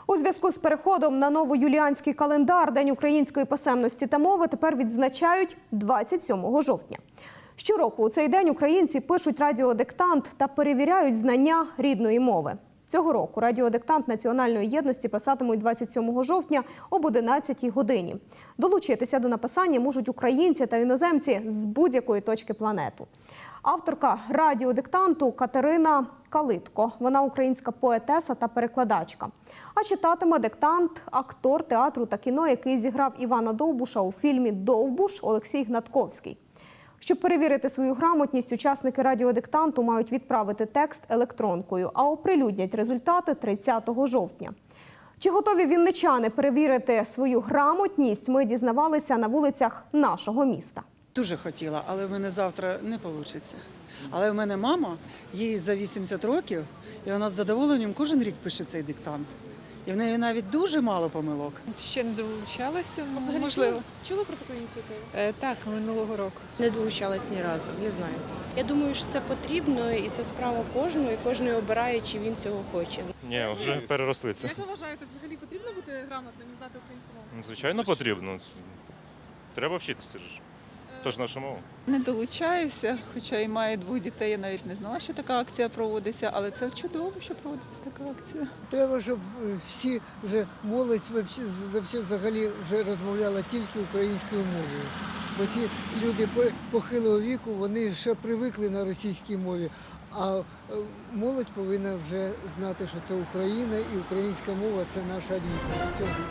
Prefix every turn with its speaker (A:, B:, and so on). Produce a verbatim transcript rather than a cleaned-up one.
A: У зв'язку з переходом на новоюліанський календар День української писемності та мови тепер відзначають двадцять сьомого жовтня. Щороку у цей день українці пишуть радіодиктант та перевіряють знання рідної мови. Цього року радіодиктант національної єдності писатимуть двадцять сьомого жовтня об одинадцятій годині. Долучитися до написання можуть українці та іноземці з будь-якої точки планети. Авторка радіодиктанту Катерина Калитко. Вона українська поетеса та перекладачка. А читатиме диктант актор театру та кіно, який зіграв Івана Довбуша у фільмі «Довбуш» Олексій Гнатковський. Щоб перевірити свою грамотність, учасники радіодиктанту мають відправити текст електронкою, а оприлюднять результати тридцятого жовтня. Чи готові вінничани перевірити свою грамотність, ми дізнавалися на вулицях нашого міста.
B: Дуже хотіла, але в мене завтра не вийде. Але в мене мама, їй за вісімдесят років, і вона з задоволенням кожен рік пише цей диктант. І в неї навіть дуже мало помилок.
C: Ще не долучалася,
D: Взагалі,
C: можливо.
D: Чули, чули про таку ініціативу?
C: Е, так, минулого року.
D: Не долучалась ні разу, не знаю. Я думаю, що це потрібно і це справа кожного, і кожен обирає, чи він цього хоче.
E: Ні, вже переросли це.
F: Як ви вважаєте, взагалі потрібно бути грамотним і знати українську мову?
E: Ну, звичайно, потрібно. Треба вчитися ж. Тож наша мова.
G: Не долучаюся, хоча і маю двох дітей, я навіть не знала, що така акція проводиться, але це чудово, що проводиться така акція.
H: Треба, щоб всі вже молодь взагалі, взагалі вже розмовляла тільки українською мовою. Бо ці люди похилого віку, вони ще привикли на російській мові, а молодь повинна вже знати, що це Україна і українська мова – це наша рідність.